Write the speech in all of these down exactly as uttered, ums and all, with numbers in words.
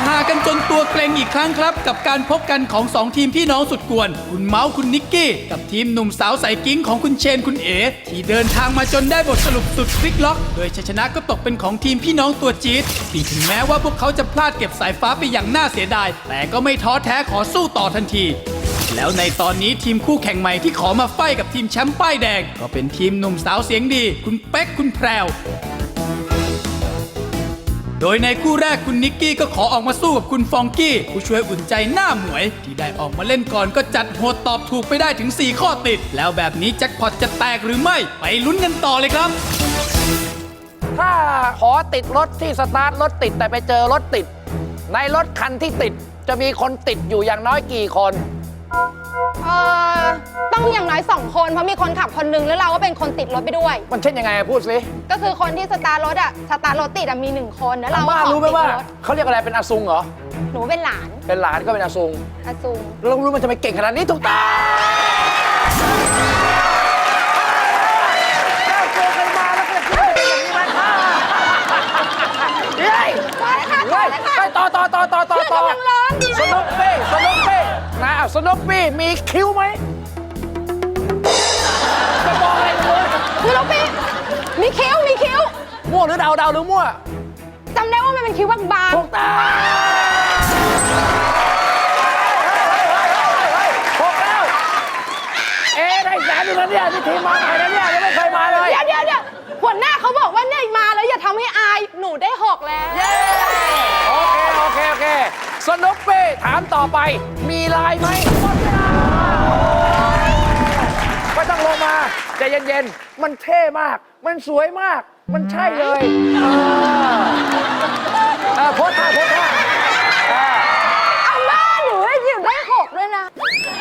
ฮากันจนตัวเกรงอีกครั้งครับกับการพบกันของสองทีมพี่น้องสุดกวนคุณเมาส์คุณนิกกี้กับทีมหนุ่มสาวใส่กิ้งของคุณเชนคุณเอ๋ที่เดินทางมาจนได้บทสรุปสุดพลิกล็อกโดยชัยชนะก็ตกเป็นของทีมพี่น้องตัวจี๊ดที่ถึงแม้ว่าพวกเขาจะพลาดเก็บสายฟ้าไปอย่างน่าเสียดายแต่ก็ไม่ท้อแท้ขอสู้ต่อทันทีแล้วในตอนนี้ทีมคู่แข่งใหม่ที่ขอมาไฟกับทีมแชมป์ป้ายแดงก็เป็นทีมหนุ่มสาวเสียงดีคุณเป๊กคุณแพรวโดยในคู่แรกคุณนิกกี้ก็ขอออกมาสู้กับคุณฟองกี้ผู้ช่วยอุ่นใจหน้าหมวยที่ได้ออกมาเล่นก่อนก็จัดโหดตอบถูกไปได้ถึงสี่ข้อติดแล้วแบบนี้แจ็คพอตจะแตกหรือไม่ไปลุ้นกันต่อเลยครับถ้าขอติดรถที่สตาร์ทรถติดแต่ไปเจอรถติดในรถคันที่ติดจะมีคนติดอยู่อย่างน้อยกี่คนเออต้องอย่างน้อยสองคนเพราะมีคนขับคนนึงแล้วเราก็เป็นคนติดรถไปด้วยมันเช่นยังไงพูดสิก็คือคนที่สตาร์ทรถอะสตาร์ทรถติดอะมีหนึ่งคนแล้วเราก็ขอติดรถรู้ไหมว่าเขาเรียกอะไรเป็นอาซุงเหรอหนูเป็นหลานเป็นหลานก็เป็นอาซุงอาซุงเรารู้มันจะไปเก่งขนาดนี้ถูกต้องต่อต่อต่อต่อต่อต่อสนุกปี้สนุกปี้นะสนุกปี้มีคิ้วไหมจะบอกอะไรเลยสนุกปี้มีคิ้วมีคิ้วมั่วหรือเดาเดาหรือมั่วจำได้ว่ามันเป็นคิ้วบางๆถูกต้องถูกแล้วเอ๊ได้แสนหนึ่งแล้วเนี่ยนี่ทีมมาใหม่แล้วเนี่ยยังไม่เคยมาเลยเดี๋ยวเดี๋ยวเดี๋ยวหัวหน้าเขาบอกว่าเนี่ยมาแล้วอย่าทำให้อายหนูได้หกแล้วโอเคโอเคโอเคสนุกปี้ถามต่อไปมีลายไหมหมดเวลาไม่ต้องลงมาใจเย็นๆมันเท่มากมันสวยมากมันใช่เลยเออเออโพสท่าโพสท่าเอาหน้าหนูให้หยิบได้หกด้วยนะ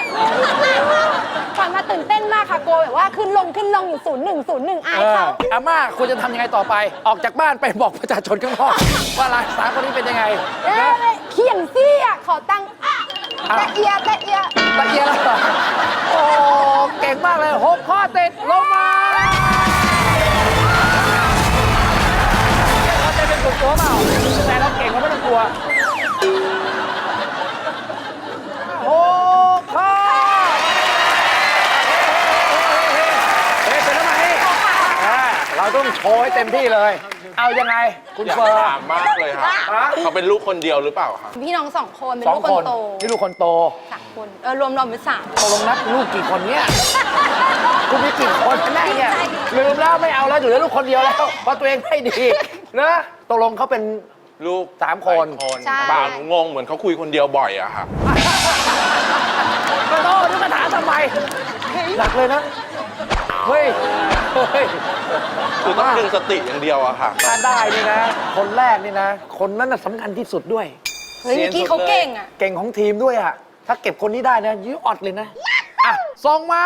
ก่อนมาตื่นเต้นมากค่ะโกแบบว่าขึ้นลงขึ้นลงอยู่ศูนย์หนึ่งศูนย์หนึ่งอายเขาอาม่าคุณจะทำยังไงต่อไปออกจากบ้านไปบอกประชาชนข้างนอกว่าร้านสาวคนนี้เป็นยังไงเขียนซี่อ่ะขอตังค์ตะเอียตะเอียตะเอียแล้วโอ้เก่งมากเลยหกข้อติดลงมาเราจะเป็นกลุ่มตัวเปล่าแต่เราเก่งเราไม่ต้องกลัวหกข้อเฮ้ยเป็นทำไมเราต้องโชว์ให้เต็มที่เลยเอายังไงคุณเฟิร์นถามมากเลยครับเขาเป็นลูกคนเดียวหรือเปล่าครับพี่น้องสองคนเป็นลูกคนโตนี่ลูกคนโตสามคนเออรวมรวมเป็นสามตกลงนับลูกกี่คนเนี่ยคุณมีกี่คนแน่เนี่ยลืมแล้วไม่เอาแล้วอยู่แล้วลูกคนเดียวแล้วเพราะตัวเองไม่ดีนะตกลงเขาเป็นลูกสามคนบ่าวงงเหมือนเขาคุยคนเดียวบ่อยอะครับก็โตนี่มาถามทำไมหนักเลยนะเฮ้ยเฮ้ยคือต้องดึงสติอย่างเดียวอะค่ะถ้าได้นี่นะคนแรกนี่นะคนนั้นน่ะสำคัญที่สุดด้วยเฮ้ยเมื่อกี้เขาเก่งอะเก่งของทีมด้วยอะถ้าเก็บคนนี้ได้นะยื้ออดเลยนะอ่ะส่งมา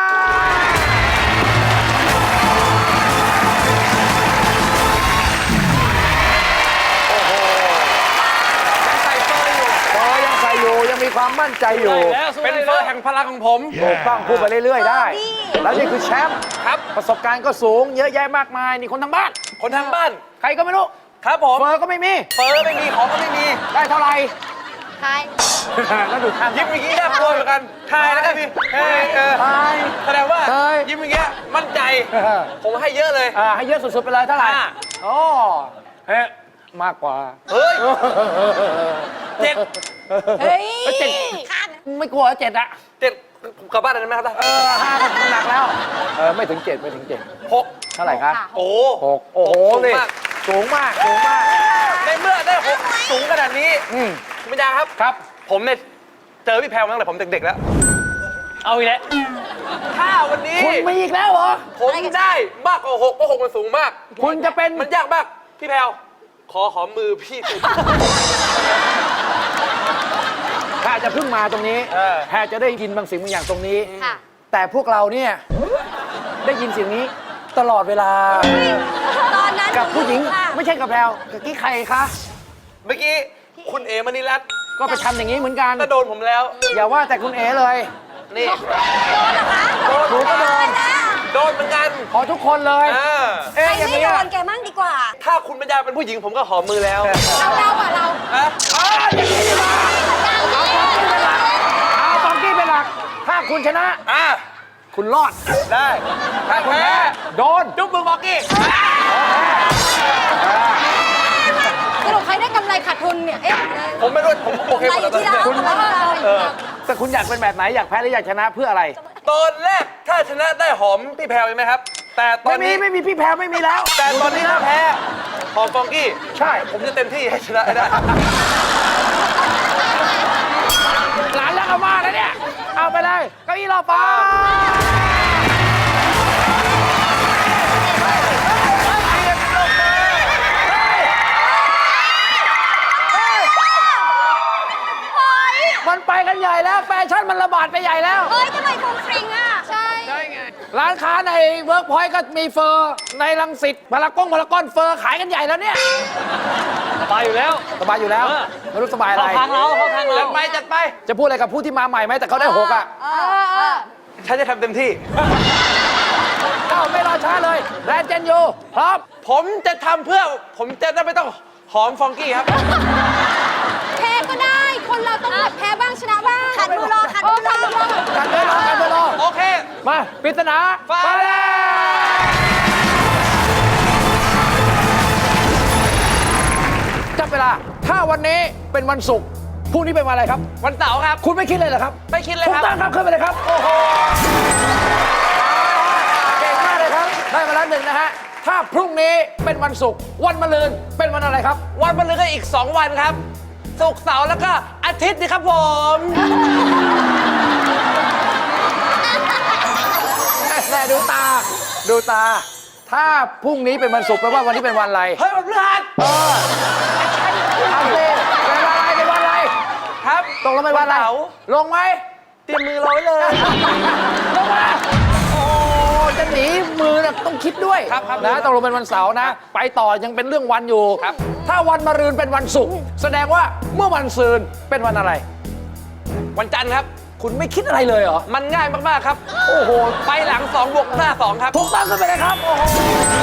โอ้โหยังใส่เฟอร์อยู่เฟอร์ยังใส่อยู่ยังมีความมั่นใจอยู่เป็นเฟอร์แห่งพลังของผมถูกต้องพูดไปเรื่อยๆได้แล้วนี่คือแชมป์ครับประสบการณ์ก็สูงเยอะแยะมากมายนี่คนทางบ้านคนทางบ้านใครก็ไม่รู้ครับผมเฟอร์ก็ไม่มีเฟอร์ไม่มีของก็ไม่มีได้เท่าไหร่ทายแล้วดูท่ายิ้มอย่างนี้น่ากลัวเหมือนกันทายแล้วกันพี่เฮ้ยเออแสดงว่ายิ้มอย่างเงี้ยมั่นใจผมให้เยอะเลยอ่าให้เยอะสุดๆไปเลยเท่าไหร่โอ้เฮ้ยมากกว่าเฮ้ยเจ็ดเฮ้ยเจ็ดไม่กลัวเจ็ดอะเจ็ดกลับบ้านได้ไหมครับเออห้ามันหนักแล้วเออไม่ถึงเจ็ดไม่ถึงเจ็ดหกเท่าไหร่ครับโอ้หกโอ้โหนี่สูงมากสูงมากในเมื่อได้หกสูงขนาดนี้อืมคุณปัญญาครับครับผมเนี่ยเจอพี่แพรวตั้งแต่ผมเด็กๆแล้วเอาอีกแล้วถ้าวันนี้คุณมีอีกแล้วเหรอผมได้มากกว่าหกเพราะหกมันสูงมากคุณจะเป็นมันยากมากพี่แพรวขอหอมมือพี่ถ้าจะเพิ่งมาตรงนี้แพรจะได้ยินบางสิ่งบางอย่างตรงนี้แต่พวกเราเนี่ยได้ยินสิ่งนี้ตลอดเวลาตอนนั้นกับผู้หญิงไม่ใช่กับแพรวกับกี้ใครคะเมื่อกี้คุณเอ๋มณีรัตน์ก็ไปทำอย่างนี้เหมือนกันก็โดนผมแล้วอย่าว่าแต่คุณเอ๋เลยนี่โดนเหรอคะโดนก็โดนโดนเหมือนกันขอทุกคนเลยเอ๊ะอย่างนี้โดนแกมั่งดีกว่าถ้าคุณปัญญาเป็นผู้หญิงผมก็หอมมือแล้วเราเราอ่ะเราเอ้ยอย่างนี้ดีกว่าเอาฟองกี้เป็นหลักเอาฟองกี้เป็นหลักถ้าคุณชนะอ่ะคุณรอดได้ ถ้าคุณแพ้แพ้โดนจุ๊บมือบอกกี้สรุปใครได้กำไรขาดทุนเนี่ย เอ๊ะผมไม่รู้ผมโอเคหมดแล้วตอนนี้คุณเออแต่คุณอยากเป็นแบบไหนอยากแพ้หรืออยากชนะเพื่ออะไรตอนแรกถ้าชนะได้หอมพี่แพรวใช่ไหมครับ แต่ตอไม่นมีนี้ไม่มีพี่แพ้ไม่มีแล้วแต่ตอนนี้ถ้าแพ้หอมฟองกี้ใช่ผมจะเต็มที่ให้ชนะให้ได้หลานแล้วเอามาแล้วเนี่ยเอาไปเลยเก้าอี้รอฟ้ามันไปกันใหญ่แล้วแฟชั่นมันระบาดไปใหญ่แล้วเฮ้ยทำไมฟรุ้งฟริ้งอ่ะ ใช่ร้านค้าในเวิร์กพอยต์ก็มีเฟอร์ในรังสิตพารากงพารากอนเฟอร์ขายกันใหญ่แล้วเนี่ยสบายอยู่แล้วสบายอยู่แล้วเออไม่รู้สบายอะไรทางเราเข้าทางเราจัดไปจัดไปจะพูดอะไรกับผู้ที่มาใหม่ไหมแต่เขาได้หกอ่ะเออเออฉันจะทำเต็มที่เอ้าไม่รอช้าเลยแรนเจนยูพร้อมผมจะทำเพื่อ ผมจะได้ไม่ต้องหอมฟองกี้ครับแพ้ก็ได้ คนเราต้องแบบแพ้บ้างชนะบ้างขัดมือรอขัดมือรอกันเลยรอกันเลยรอโอเคมาปริศนาฟ้าแลบจับเวลาถ้าวันนี้เป็นวันศุกร์พรุ่งนี้เป็นวันอะไรครับวันเสาร์ครับคุณไม่คิดเลยเหรอครับไม่คิดเลยถูคกรับต้องครับขึ้นไปเลยครับโอ้โหเก่งมากเลยครับได้มาแล้วหนึ่งนะฮะถ้าพรุ่งนี้เป็นวันศุกร์วันมะรืนเป็นวันอะไรครับวันมะรืนก็อีก สอง วันครับ ศุกร์เสาร์แล้วก็อาทิตย์นี่ครับผมแน่ดูตา ดูตา ถ้าพรุ่งนี้เป็นวันศุกร์แปลว่าวันนี้เป็นวันอะไรเฮ้ยวันพฤหัสเออเอาสิเป็นวันอะไรเป็นวันอะไรครับตกลงเป็นวันอะไรเสาร์ลงไหมเตรียมมือรอไว้เลยลงมาโอ้จะหนีมือน่ะต้องคิดด้วยครับครับนะตกลงเป็นวันเสาร์นะ ไปต่อยังเป็นเรื่องวันอยู่ครับถ้าวันมะรืนเป็นวันศุกร์แสดงว่าเมื่อวันซืนเป็นวันอะไรวันจันทร์ครับคุณไม่คิดอะไรเลยเหรอมันง่ายมาก ๆ ครับโอ้โหไปหลังสองบวกหน้าสองครับถูกต้องกันไปเลยครับ โอ้โห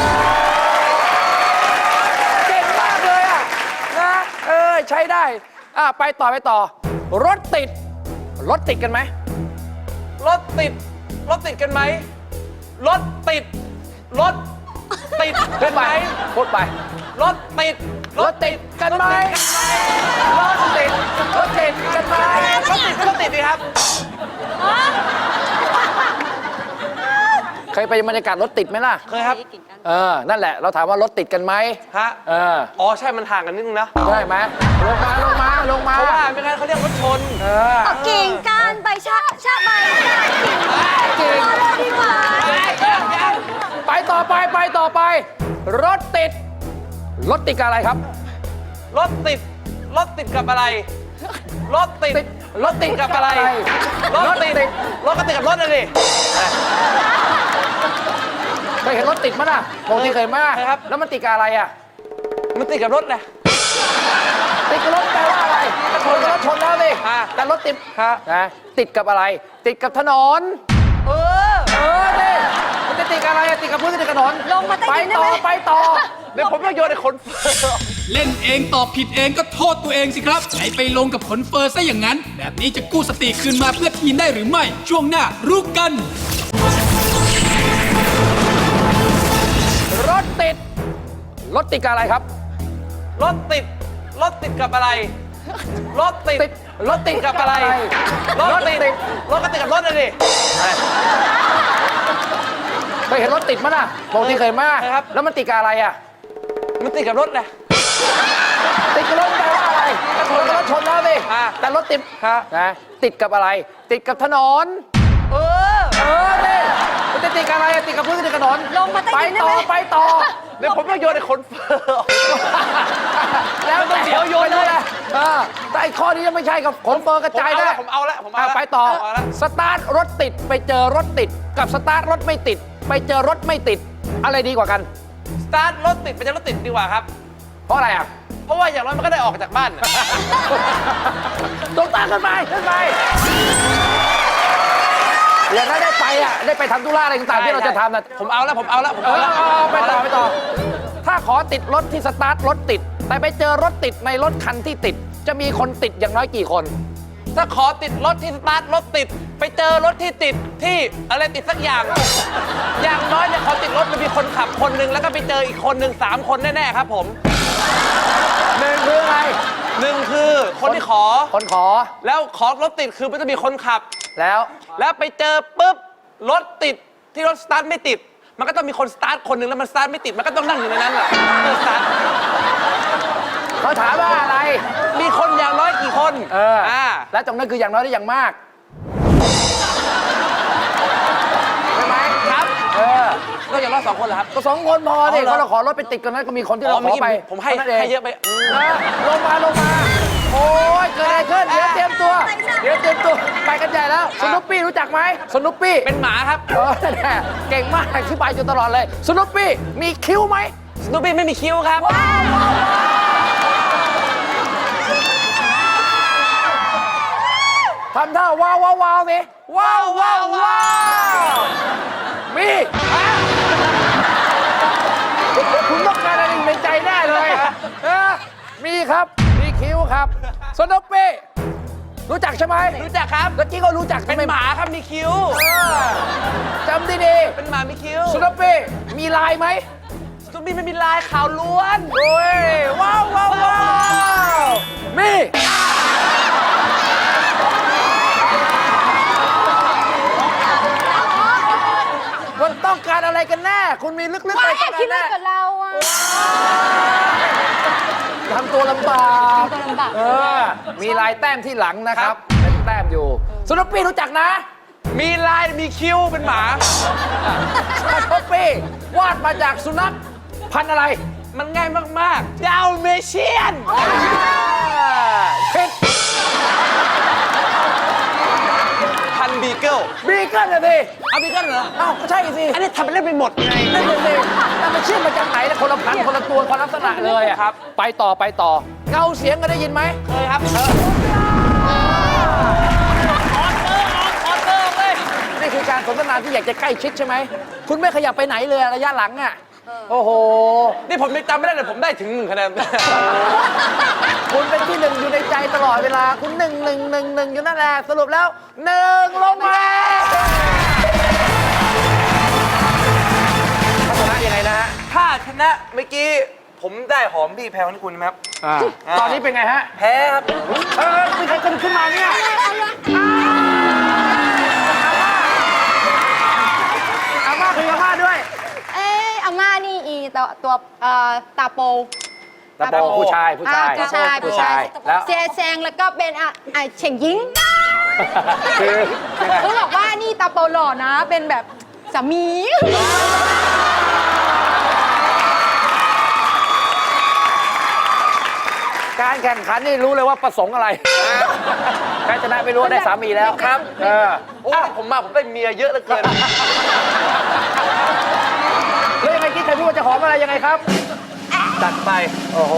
เก่งมากเลยอ่ะ นะ เออ ใช้ได้ อ่ะ ไปต่อไปต่อ รถติด รถติดกันไหมรถติด รถติดกันไหม รถติด รถติดพูกัดนไปไหมพูดไปรถติดรถติดกันไหมรถติด รถติดกันไหมรถติดก็รถติดดีครับเคยไปบรรยากาศรถติดไหมล่ะเคยครับเออ นั่นแหละ เราถามว่ารถติดกันไหมฮะเอออ๋อ ใช่ มันห่างกันนิดนึงนะได้ไหมลงมา ลงมา ลงมาเพราะว่าไม่งั้นเขาเรียกรถชนเออกิ่งการไปชาชาใบกิ่งกิ่งรอเลยดีกว่าไปต่อไป ไปต่อไป รถติด รถติดกับอะไรครับรถติด รถติดกับอะไร รถติดติด รถติดกับอะไร รถติด รถก็ติดกับรถเลยดิเคยเห็นรถติดมั้ยน่ะปกติเคยมากเคยครับแล้วมันติดกับอะไรอ่ะมันติดกับรถเลยติดกับรถแปลว่าอะไรชนกับรถชนแล้วสิอ่าแต่รถติดฮะนะติดกับอะไร ติดกับถนนเออเออดิมันจะติดกับอะไรอะติดกับพื้นติดกับถนนลงมาใต้ไปดินได้ต่อไหมไปต่อเดี๋ยวผมต้องโยนไอ้คนเฟิร์เล่นเองตอบผิดเองก็โทษตัวเองสิครับไหนไปลงกับขนเฟอร์ซะอย่างนั้น แบบนี้จะกู้สติคืนมาเพื่อทีมได้หรือไม่ ช่วงหน้ารู้กันรถติด รถติดกับอะไรครับรถติด รถติดกับอะไร รถติดติด รถติดกับอะไร รถติด รถก็ติดกับรถเลยดิเคยเห็นรถติดมั้ยน่ะปกติเคยมากเคยครับแล้วมันติดกับอะไรอ่ะมันติดกับรถเลยติดกับรถแปลว่าอะไรชนกับรถชนแล้วสิอ่าแต่รถติดฮะนะติดกับอะไร ติดกับถนนเออเออดิมันจะติดกับอะไรอะติดกับพื้นติดกับถนนลงมาใต้ไปดินได้ต่อไหมไปต่อเดี๋ยวผมต้องโยนไอ้คนเฟิร์แล้วแต่เดี๋ยวโยนเลยเออแต่ไอ้ข้อนี้ยังไม่ใช่กับขนเฟอร์กระจายนะผมเอาละผมเอาอ่ะละไปต่อผมเอาละสตาร์ทรถติดไปเจอรถติด กับสตาร์ทรถไม่ติด ไปเจอรถไม่ติด อะไรดีกว่ากันสตาร์ทรถติดไปจะรถติดดีกว่าครับเพราะอะไรอ่ะเพราะว่าอย่างน้อยมันก็ได้ออกจากบ้านน่ะตรงตามขึ้นไปขึ้นไปอย่างนั้นได้ไปอ่ะได้ไปทำธุระอะไรต่างๆที่เราจะทำนะผมเอาละผมเอาละผมเอเอาอละเอาเอาไปต่อไปต่อ ถ้าขอติดรถที่สตาร์ทรถติด แต่ไปเจอรถติดในรถคันที่ติดจะมีคนติดอย่างน้อยกี่คนถ้าขอติดรถที่สตาร์ทรถติด ไปเจอรถที่ติดที่อะไรติดสักอย่าง อย่างน้อยเนี่ยขอติดรถมันมีคนขับคนหนึ่งแล้วก็ไปเจออีกคนหนึ่งสามคนแน่ๆครับผมหนึ่งคืออะไรหนึ่งคือคนที่ขอคนขอแล้วขอรถติดคือมันจะมีคนขับแล้วแล้วไปเจอปุ๊บรถติดที่รถสตาร์ทไม่ติด มันก็ต้องมีคนสตาร์ทคนหนึ่งแล้วมันสตาร์ทไม่ติดมันก็ต้องนั่งอยู่ในนั้นแหละเพื่อสตาร์ทเขาถามว่าอะไรมีคนอย่างน้อยกี่คนเอออ่าและตรงนั้นคืออย่างน้อยได้อย่างมากใช่ไหมครับเออก็อย่างน้อยสองคนเหรอครับก็สองคนพอดิเอาเหรอเขาเราขอรถไปติดกันนั้นก็มีคนที่เราอ๋อขอไปเมื่อกี้ผมให้ท่านั้นงให้เยอะไปอืมเออลงมาลงมา โอ้ยเกิดอะไรขึ้นเดี๋ยวเตรียมตัว เดี๋ยวเตรียมตัวไปกันใหญ่แล้วสนุปปี้รู้จักไหมสนุปปี้เป็นหมาครับเออแน่เก่งมากอธิบายจนตลอดเลยสนุปปี้มีคิ้วไหมสโนบี้ไม่มีคิ้วครับทำท่าว้าวว้าวว้าวสิว้าวว้าวว้าวมีคุณต้องการอะไรในใจแน่เลยเออมีครับมีคิ้วครับสนุปปี้รู้จักใช่ไหมรู้จักครับเมื่อกี้ก็รู้จักเป็นหมาครับมีคิ้วเออจำดีดีเป็นหมามีคิ้วสนุปปี้มีลายไหมสโนบี้ไม่มีลายขาวล้วนโอ้ยว้าวว้าวว้าวมีมันต้องการอะไรกันแน่ คุณมีลึกๆว่าอะไรแอกันบคิดแน่ว่ากับเราอะทำตัวลำบากทำตัวลำบากเออ มีลายแต้มที่หลังนะครับ เป็นแต้มอยู่สนุปปี้รู้จักนะมีลายมีคิ้วเป็นหมาสนุปปี้วาดมาจากสุนัขพันธุ์อะไรมันง่ายมากๆดาวเมเชียนผิดพันบีเกิลบีเกิลนะสิเอาบีเกิลเหรออ้าวก็ใช่สิอันนี้ทำเป็นเล่นไปหมดไงนั่นเลยสิแต่มันเชื่อมมาจากไหนนะคนละพันธุ์คนละตัวคนละลักษณะเลยอะครับไปต่อไปต่อ เงาเสียงก็ได้ยินไหมเคยครับออเตอร์ออเตอร์เลยนี่คือการสนทนาที่อยากจะใกล้ชิดใช่ไหม คุณไม่ขยับไปไหนเลยระยะหลังอ่ะ โอ้โหนี่ผมยังจำไม่ได้เลยผมได้ถึงหนึ่งคะแนนคุณเป็นที่หนึ่งอยู่ในใจตลอดเวลา คุณหนึ่งหนึ่งหนึ่งหนึ่งอยู่นั่นแหละ สรุปแล้วหนึ่งลงมาชนะยังไงนะฮะถ้าชนะเมื่อกี้ผมได้หอมพี่แพรวนี่คุณไหมครับอ่าตอนนี้เป็นไงฮะแพ้ครับเออมีใครคนขึ้นมาเนี่ยอาม่าคืออาม่าด้วยเอ้ยอาม่านี่อีตัวตัวเอ่อตาโปตาโปผู้ชายผู้ชายอ่ผู้ชายผู้ชายแล้วเสียแซงแล้วก็เป็นอ่ะอ่ะเฉ่งยิงคือเขาบอกว่านี่ตาโปหล่อนะ เป็นแบบสามีการแข่งขันนี่รู้เลยว่าประสงค์อะไรใครชนะไม่รู้ได้สามีแล้วครับเออโอ้ผมมาผมได้เมียเยอะเหลือเกินแล้วยังไงคิดใครพูดว่าจะหอมอะไรยังไงครับจัดไปโอ้โห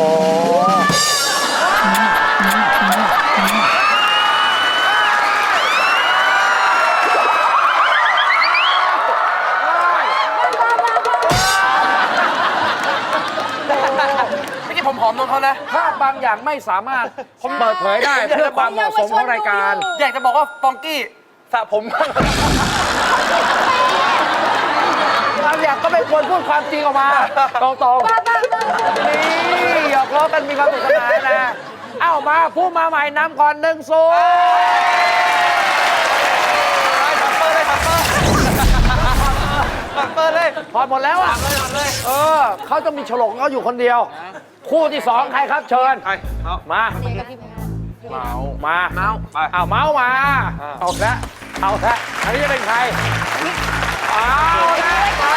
ไม่ใช่ผมหอมน้องเขานะภาพบางอย่างไม่สามารถผมเปิดเผยได้เพื่อความเหมาะสมของรายการอยากจะบอกว่าฟองกี้สระผมบางอย่างก็ไม่ควรพูดความจริงออกมา ตรงๆนี่หยอกล้อกันมีความสนุกสนานนะ เอ้ามาผู้มาใหม่นำก่อนหนึ่งศูนย์ปัดเปิดเลยพอหมดแล้วอ่ะเลยหมดเลยเออเขาจะมีฉลกเขาอยู่คนเดียว คู่ที่สองใครครับเชิญใครเอามาเมามาเมาไปเอาเมาส์มาอ่าเอาละเอาละอันนี้จะเป็นใครเอาละมา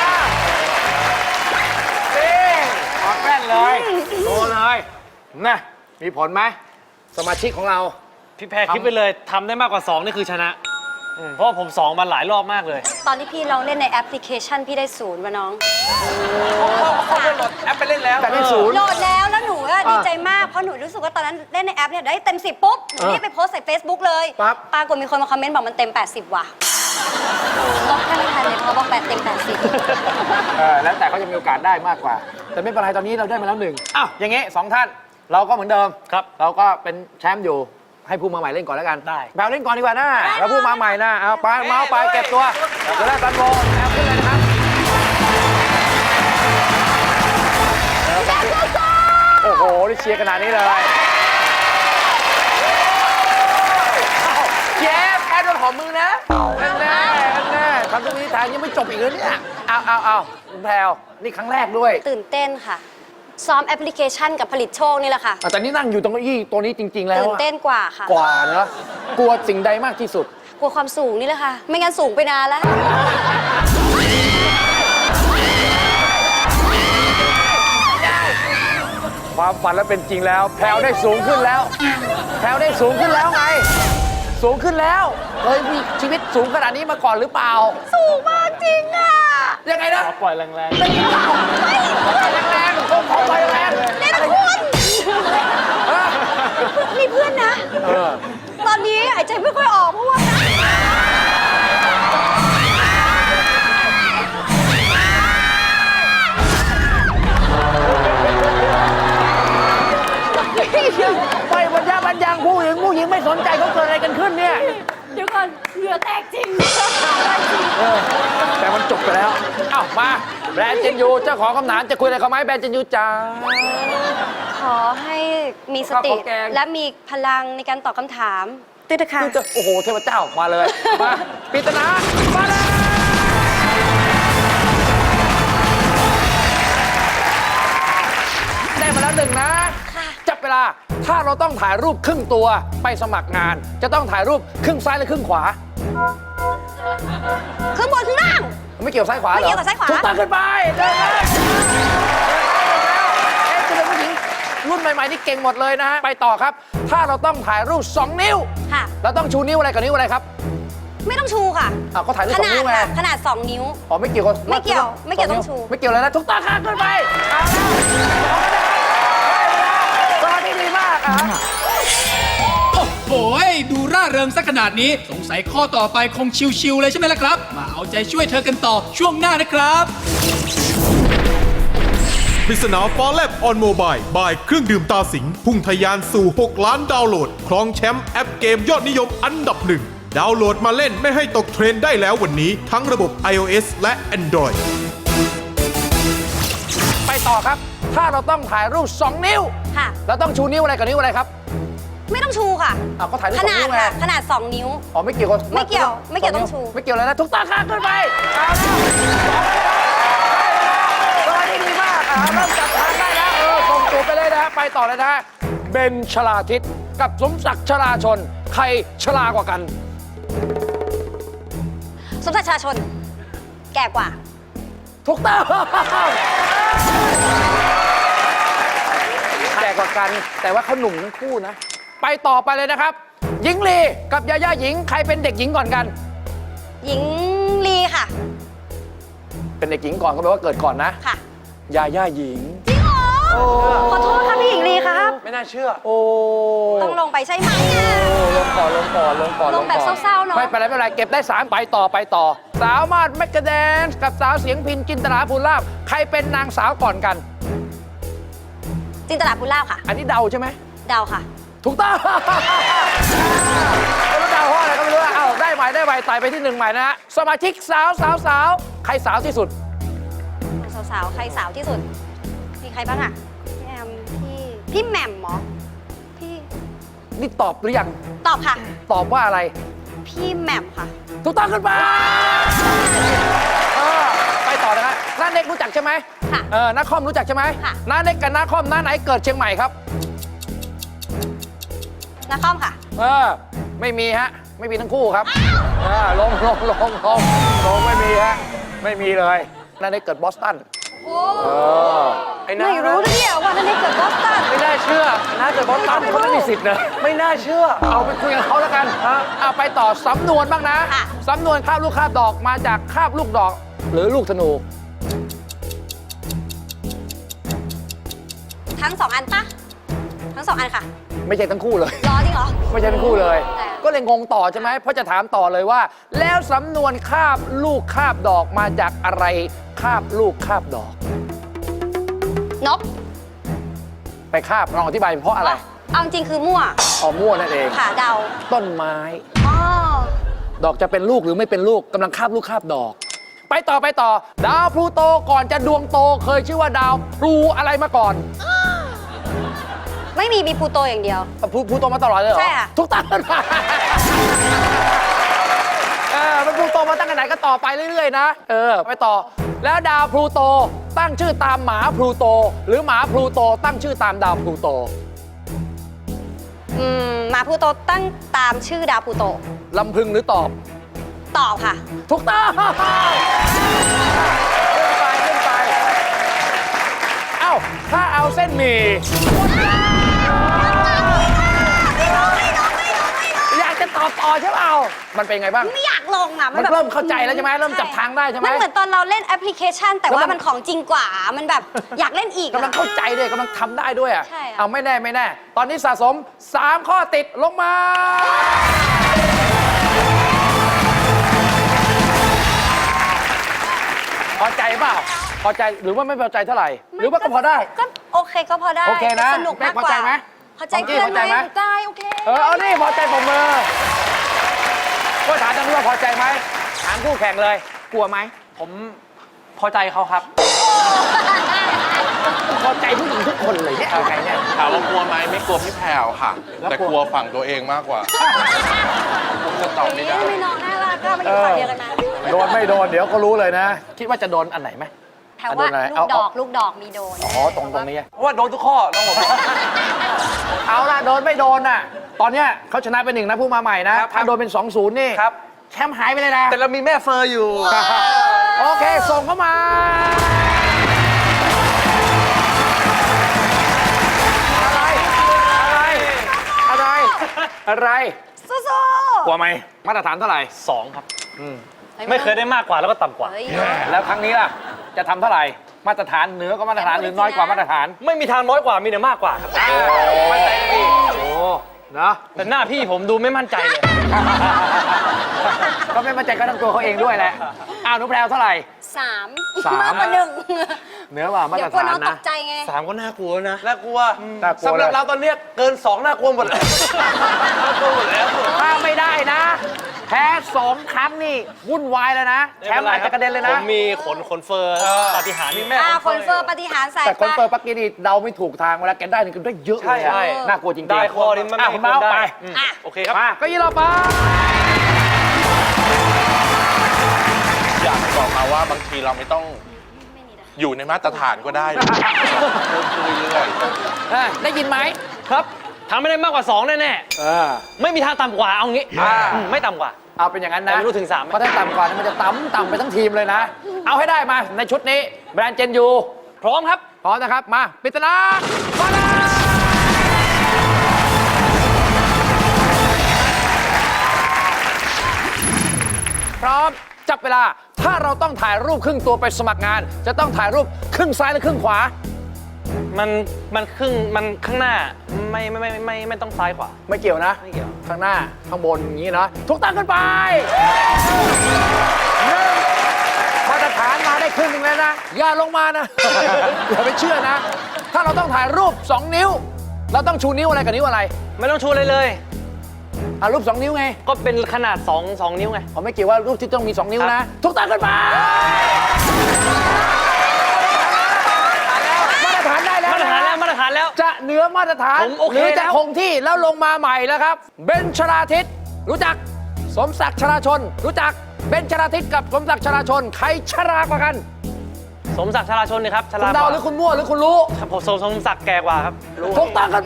นี่ถอดแว่นเลยโตเลยนะมีผลไหมสมาชิกของเราพี่แพรคิดไปเลยทำได้มากกว่าสองนี่คือชนะ เพราะว่าผมสองมาหลายรอบมากเลยตอนที่พี่ลองเล่นในแอปพลิเคชันพี่ได้ศูนย์วะน้องเขาเขาไปโหลดแอปไปเล่นแล้วแต่ได้ศูนย์โหลดแล้วแล้วหนูอะดีใจมาก เพราะหนูรู้สึกว่าตอนนั้นเล่นในแอปเนี่ยได้เต็มสิบปุ๊บหนูรีบไปโพสต์ใส่ Facebook เลยปั๊บปรากฏมีคนมาคอมเมนต์บอกมันเต็มแปดสิบว่ะลบแค่ไม่ทันเลยเพราะบอกแปดเต็มแปดสิบเออแล้วแต่เขาจะมีโอกาสได้มากกว่า แต่ไม่เป็นไรตอนนี้เราได้มาแล้วหนึ่งอ้าวอย่างงี้สองท่านเราก็เหมือนเดิมครับเราก็เป็นแชมป์อยู่ให้ผู้มาใหม่เล่นก่อนแล้วกันได้แปลเล่นก่อนดีกว่านะแล้วผู้มาใหม่นะเอาไปเมาส์ไปเก็บตัวเดี๋ยวได้ตันโบแอลขึ้นเลยนะครับโอ้โหนี่เชียร์ขนาดนี้เลยเจฟแอดโดนหอมมือนะนั่นแน่นั่นแน่ทำตรงนี้ทางยังไม่จบอีกเลยเนี่ยเอาเอาเอาคุณแพรวนี่ครั้งแรกด้วยตื่นเต้นค่ะ ซ้อมแอปพลิเคชันกับผลิตโชคนี่แหละค่ะอ่ะแต่นี่นั่งอยู่ตรงเก้าอี้ตัวนี้จริง ๆ แล้วตื่นอะเต้นกว่าค่ะกว่าเนอะกลัวสิ่งใดมากที่สุดกลัวความสูงนี่แหละค่ะ ไม่งั้นสูงไปนานแล้วความฝันแล้วเป็นจริงแล้ว แพรวได้สูงขึ้นแล้ว แพรวได้สูงขึ้นแล้วไง สูงขึ้นแล้วเคยมีชีวิตสูงขนาดนี้มาก่อนหรือเปล่าสูงมากจริงอ่ะยังไงนะขอปล่อยแรงแรงแรงๆผมขอไปแรงเล่นคุณมีเพื่อนนะเออตอนนี้หายใจไม่ค่อยออกเพราะว่าไปบรรยาบรรยังผู้หญิงผู้หญิงไม่สนใจเขาเกิดอะไรกันขึ้นเนี่ยเดี๋ยวก่อนเหงื่อแตกจริงเออแต่มันจบไปแล้วเอ้ามาแบรนด์เจนยูเจ้าของคำถามจะคุยอะไรกับไหมแบรนด์เจนยูจ้าขอให้มีสติข้าวของแกงและมีพลังในการตอบคำถามด้วยนะคะดูจะโอ้โหเทพเจ้ามาเลยมาปริศนามาเลยได้มาแล้วหนึ่งนะค่ะจับเวลาถ้าเราต้องถ่ายรูปครึ่งตัวไปสมัครงาน จะต้องถ่ายรูปครึ่งซ้ายและครึ่งขวาข้างบนข้างล่างไม่เกี่ยวซ้ายขวาเหรอไม่เกี่ยวกับซ้ายขวาถูกต้องขึ้นไปเดินเลยเอ๊ะจะเป็นผู้หญิงรุ่นใหม่ๆนี่เก่งหมดเลยนะฮะไปต่อครับ ถ้าเราต้องถ่ายรูปสองนิ้วค่ะเราต้องชูนิ้วอะไรกับนิ้วอะไรครับไม่ต้องชูค่ะอ้าวก็ถ่ายรูปขสองนาดนิ้วไงค่ะขนาดสองนิ้วอ๋อไม่เกี่ยวกับไม่เกี่ยวไม่เกี่ยวสต้องชูไม่เกี่ยวเลยนะทุกตาข้างขึ้นไปเอาแล้วตอนนี้ดีมากอ่ะโอ้โหดูร่าเริงสักขนาดนี้ สงสัยข้อต่อไปคงชิวๆเลยใช่ไหมล่ะครับ มาเอาใจช่วยเธอกันต่อช่วงหน้านะครับปริศนาฟ้าแลบออนโมบายบายเครื่องดื่มตาสิงห์พุ่งทะยานสู่ หก ล้านดาวน์โหลด ครองแชมป์แอปเกมยอดนิยมอันดับหนึ่ง ดาวน์โหลดมาเล่นไม่ให้ตกเทรนด์ได้แล้ววันนี้ทั้งระบบ iOS และ Android ไปต่อครับ ถ้าเราต้องถ่ายรูปสองนิ้วค่ะเราต้องชูนิ้วอะไรกับนิ้วอะไรครับไม่ต้องชูค่ะอ้าวก็ถ่ายรูปขสองนาดนิ้วไงค่ะขนาดสองนิ้วอ๋อไม่เกี่ยวกับไม่เกี่ยวไม่เกี่ยวต้องชูไม่เกี่ยวเลยนะทุกตาข้างขึ้นไปเอาแล้วตอนนี้ดีมากอ่ะเริ่มจับทางได้แล้วเออส่งตัวไปเลยนะฮะไปต่อเลยนะฮะเบนชลาทิศกับสมศักดิ์ชลาชน ใครชลากว่ากันสมศักดิ์ชาชน แก่กว่าถูกต้องแก่กว่ากัน แต่ว่าเขาหนุ่มทั้งคู่นะ ไปต่อไปเลยนะครับ หญิงลีกับยาย่าหญิง ใครเป็นเด็กหญิงก่อนกันหญิงลีค่ะเป็นเด็กหญิงก่อนก็แปลว่าเกิดก่อนนะค่ะยาย่าหญิงจริงเหรอขอโทษค่ะพี่หญิงลีครับไม่น่าเชื่อโอ้ต้องลงไปใช่ไหมอ่ะลงก่อนลงก่อนลงก่อนลงแบบก่อนเศร้าๆเนอะไม่เป็นไรไม่เป็นไรเก็บได้สามไปต่อไปต่อ สาวมาดแมกกาแดนซ์กับสาวเสียงพินจินตนาภูลาภใครเป็นนางสาวก่อนกันจินตลาภูลาภค่ะอันนี้เดาใช่ไหมเดาค่ะถูกต้องไม่รู้เดาเพราะอะไรก็ไม่รู้อะเอ้าได้ใหม่ได้ใหม่ไต่ไปที่หนึ่งใหม่นะฮะสมาชิกสาวสาวสาวใครสาวที่สุดสาวๆ ใครสาวที่สุด มีใครบ้างอ่ะ พี่แอม พี่ พี่แหม่มเหรอ พี่นี่ตอบหรือยังตอบค่ะตอบว่าอะไรพี่แหม่มค่ะถูกต้องขึ้นไปเออไปต่อนะครับน้าเน็กรู้จักใช่ไหมค่ะเออน้าคอมรู้จักใช่ไหมค่ะน้าเน็กกับน้าคอมน้าไหนเกิดเชียงใหม่ครับนาคอมค่ะเออไม่มีฮะ ไม่มีทั้งคู่ครับเออลงลงลงลงลงไม่มีฮะ ไม่มีเลยน้าเน็กเกิดบอสตันโอ้เออไอ้น้าไม่รู้นะเนี่ยว่านั่นได้เกิดบอสตันไม่น่าเชื่อน่าจะบอสตันเขาไม่มีสิทธิ์นะไม่น่าเชื่อเอาไปคุยกับเขาแล้วกันเอาไปต่อสำนวนบ้างนะค่ะสำนวนคาบลูกคาบดอกมาจากคาบลูกดอก หรือลูกธนูทั้งสองอันปะทั้งสองอันค่ะไม่ใช่ทั้งคู่เลยรอจริงเหรอไม่ใช่ทั้งคู่เลยแต่ก็เลยงงต่อใช่ไหมเพราะจะถามต่อเลยว่า แล้วสำนวนคาบลูกคาบดอกมาจากอะไรคาบลูกคาบดอกนกไปคาบลองอธิบายเพราะอะไรเอาจริงคือมั่วอ๋อมั่วนั่นเองค่ะเดาต้นไม้อ๋อดอกจะเป็นลูกหรือไม่เป็นลูกกำลังคาบลูกคาบดอก ไปต่อไปต่อ ดาวพลูโตก่อนจะดวงโตเคยชื่อว่าดาวพลูอะไรมาก่อนไม่มีมีพลูโตอย่างเดียวพลูพลูโตมาตลอดเลยเหรอใช่ค่ะทุกตั้งเออมันพลูโตมาตั้งแต่ไหนก็ต่อไปเรื่อยๆนะเออไปต่อ แล้วดาวพลูโตตั้งชื่อตามหมาพลูโต หรือหมาพลูโตตั้งชื่อตามดาวพลูโตอืมหมาพลูโตตั้งตามชื่อดาวพลูโตลำพึงหรือตอบตอบค่ะถูกต้องขึ้นไปขึ้นไป เอ้า ถ้าเอาเส้นหมี่อยากจะตอบต่อใช่เปล่ามันเป็นไงบ้างไม่อยากลงอ่ะมันแบบเริ่มเข้าใจแล้วใช่ไหมเริ่มจับทางได้ใช่ไหมมันเหมือนตอนเราเล่นแอปพลิเคชัน แต่แล้วมัว่าน มันของจริงกว่า มันแบบอยากเล่นอีกกำลังอะเข้าใจด้วยกำลังทำได้ด้วยอ่ะใช่อะเอาไม่แน่ไม่แน่ ตอนนี้สะสม สาม ข้อติดลงมา พอใจเปล่า พอใจหรือว่าไม่พอใจเท่าไหร่ หรือว่าก็พอได้ก็โอเคก็พอได้โอเคนะสนุกมากแม่พอกว่าใจไหมพอใจของกี้เพื่อนพอใจไหไหมมได้โอเคเออเอานี่พอใจผมมือก็ถามทางนี้ว่าพอใจไหมถามคู่แข่งเลย กลัวไหมผมพอใจเขาครับพอใจผู้หญิงทุกคนเลยเนี่ยเอาไงเนี่ยถามว่ากลัวไหมไม่กลัวพี่แพรวค่ะแล้วแต่กลัวกลัวฝั่งตัวเองมากกว่า ผมจะตอบไม่ได้ไม่น้องน่ารักก็มาอยู่ฝั่งเดียวกันนะโดนไม่โดนเดี๋ยวก็รู้เลยนะ คิดว่าจะโดนอันไหนไหมแถวว่าโดนอะไรลูเอากดอกลูกดอกมีโดนอ๋อตรงตรงนี้เพราะว่าโดนทุกข้อน้องผมเอาล่ะโดนไม่โดนน่ะ ตอนเนี้ยเขาชนะเป็นหนึ่งนะผู้มาใหม่นะครับถ้าโดนเป็น สองศูนย์ นี่ครับแชมป์หายไปเลยนะแต่เรามีแม่เฟอร์อยู่โอเค ส่งเข้ามา อะไร อะไร อะไร อะไรสู้กลัวไหม มาตรฐานเท่าไหร่สองครับๆไม่เคยได้มากกว่าแล้วก็ต่ำกว่าเฮ้ยแล้วครั้งนี้ล่ะ จะทำเท่าไหร่ มาตรฐานเหนือก็มาตรฐานหรือน้อยกว่ามาตรฐานไม่มีทางน้อยกว่ามีแต่มากกว่าครับมั่นใจดีโอ้เนาะแต่หน้าพี่ผมดูไม่มั่นใจเลยก็ไม่มั่นใจก็ทั้งตัวเขาเองด้วยแหละ อ้าวหนุแพรวเท่าไหร่สามสามมากกว่าหนึ่งเหนือกว่ามาเดี๋ตยรวกลัวฐานน้องตนะกใจไงสามก็น่ากลัวนะน่ากลัวน่ากลัวสำหรับเลยเราตอนเนี้ยเกินสองน่ากลัวหมดแล้วน่ากลัวหมดแล้วถ้าไม่ได้นะ แพ้สองครั้งนี่วุ่นวายแล้วนะ แชมป์อาจจะกระเด็นเลยผนะมมีขนขนเฟอร์ปาฏิหาริย์มีแม่อ่าขคน นเฟอร์ปฏิหารย์ใส่แต่คนปะเปิดปักกี้นี่เดาไม่ถูกทางเวลาแกได้นี่คือได้เยอะเลยใช่อะน่ากลัวจริงๆได้ข้อนี้มันอ่ะไม่คุณเมาส์ได้ไปอืมอ่ะโอเคครับมาก็ยี่เราไปอยากบอกมาว่าบางทีเราไม่ต้องอยู่ในมาตรฐานก็ได้นะเพิ่มขึ้นเรื่อยๆเออได้ยินไหมครับทำไม่ได้มากกว่าสองแน่เออๆไม่มีทางต่ำกว่าเอางี้อ่าอืมไม่ต่ำกว่าเอาเป็นอย่างนั้นนะแต่ไม่รู้ถึงสามไหมเพราะถ้าต่ำกว่านี่มันจะต่ำต่ำไปทั้งทีมเลยนะ เอาให้ได้มาในชุดนี้แบรนด์เจนยูพร้อมครับพร้อมนะครับ มาปริศนามาเลยพร้อมจับเวลา ถ้าเราต้องถ่ายรูปครึ่งตัวไปสมัครงาน จะต้องถ่ายรูปครึ่งซ้ายและครึ่งขวามันมันครึ่งมันข้างหน้าไม่ไม่ไม่ไมไม่ไม่ต้องซ้ายขวาไม่เกี่ยวนะไม่เกี่ยวข้างหน้าข้างบนอย่างนี้นะทุกตั้งขึ้นไปหนึ่งมาตรฐานมาได้ครึ่งหนึงแล้วนะ อย่าลงมานะ อย่าไปเชื่อนะ ถ้าเราต้องถ่ายรูป สอง นิ้ว เราต้องชูนิ้วอะไรกับนิ้วอะไรไม่ต้องชูเลยเลยอ่ะรูป สอง นิ้วไงก็เป็นขนาดสองสองนิ้วไงผมไม่เกี่ยวว่ารูปที่ต้องมี สอง นิ้วนะ ทุกตั้งขึ้นไปมาตรฐานได้แล้วมาตรฐานแล้วมาตรฐานแล้วจะเหนือมาตรฐานผมโอเคหรือจะแล้วคงที่แล้วลงมาใหม่แล้วครับ เบนชลาทิศรู้จัก สมศักดิ์ชลาชน รู้จัก เบนชลาทิศกับสมศักดิ์ชลาชน ใครชรากว่ากันสมศักดิ์ชลาชนนี่ครับชคุลาณเดาหรือคุณมั่วหรือคุณรู้ครับผมสมสมศักดิ์แก่กว่าครับถูกต้องกันไป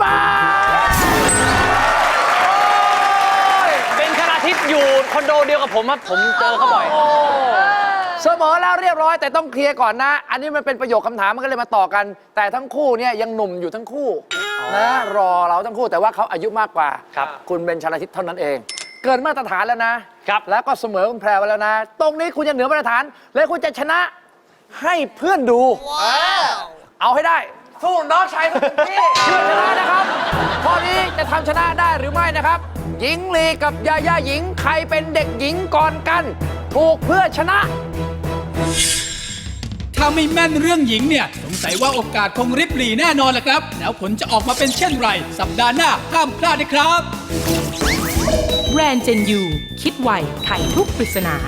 เป็นชลาทิศอยู่คอนโดเดียวกับผมครับผมเจอเขาบ่อยเสมอแล้วเรียบร้อยแต่ต้องเคลียร์ก่อนนะ อันนี้มันเป็นประโยคคำถามมันก็เลยมาต่อกัน แต่ทั้งคู่เนี่ยยังหนุ่มอยู่ทั้งคู่นะรอเราทั้งคู่แต่ว่าเขาอายุมากกว่าครับคุณเบนชลาทิศเท่านั้นเอง เกินมาตรฐานแล้วนะครับ แล้วก็เสมอคุณแพรไปแล้วนะ ตรงนี้คุณจะเหนือมาตรฐาน และคุณจะชนะให้เพื่อนดู เอาให้ได้สู้น้องชายทุกที่เพื่อชนะนะครับข้อนี้จะทำชนะได้หรือไม่นะครับ หญิงลีกับยาย่าหญิงใครเป็นเด็กหญิงก่อนกัน ถูกเพื่อชนะถ้าไม่แม่นเรื่องหญิงเนี่ยสงสัยว่าโอกาสคงริบหรี่แน่นอนแหละครับ แล้วผลจะออกมาเป็นเช่นไร สัปดาห์หน้าห้ามพลาดนะครับแบรนด์เจนยูคิดไวไขทุกปริศนา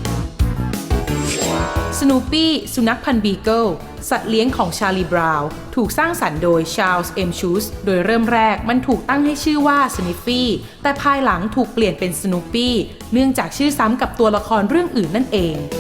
สนูปี้สุนัขพันธุ์บีเกิลสัตว์เลี้ยงของชาลีบราวน์ถูกสร้างสรรค์โดยชาร์ลส์เอ็มชูสโดยเริ่มแรกมันถูกตั้งให้ชื่อว่าสนิฟฟี่แต่ภายหลังถูกเปลี่ยนเป็นสนูปี้เนื่องจากชื่อซ้ำกับตัวละครเรื่องอื่นนั่นเอง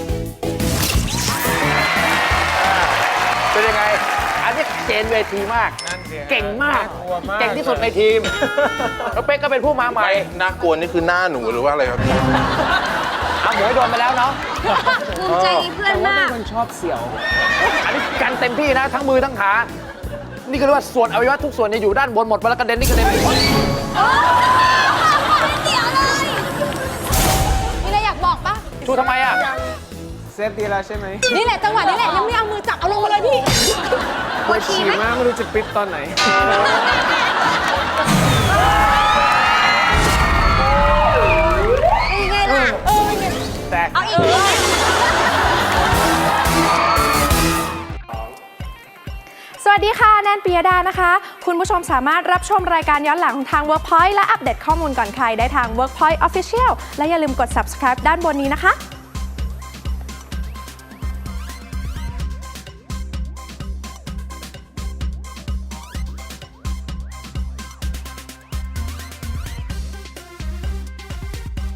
เป็นยังไง อันนี้เจนเวทีมาก เก่งมาก เก่งที่สุดในทีม แล้วเป๊กก็เป็นผู้มาใหม่ไม่น่ากลัวนี่คือหน้าหนูหรือว่าอะไรครับเอาหมวยโดนไปแล้วเนาะภูมิใจในเพื่อนมากคนชอบเสี่ยว อันนี้กันเต็มที่นะ ทั้งมือทั้งขา นี่ก็เรียกว่าส่วนอวัยวะทุกส่วนเนี่ยอยู่ด้านบนหมดเวลากระเด็นนี่กระเด็นไปหมดเดี๋ยวเลยมีอะไรอยากบอกปะชูทำไมอ่ะเซฟดีแล้วใช่ไหมนี่แหละจังหวะนี้แหละยังไม่เอามือจับเอาลงมาเลยพี่ปวดฉี่ฉี่ไหมมากไม่รู้จะปิดตอนไหนเป็นไงล่ะแต่เอาอีกเลยสวัสดีค่ะ แนนปิยดานะคะ คุณผู้ชมสามารถรับชมรายการย้อนหลังของทาง Workpoint และอัปเดตข้อมูลก่อนใครได้ทาง Workpoint Official และอย่าลืมกด Subscribe ด้านบนนี้นะคะ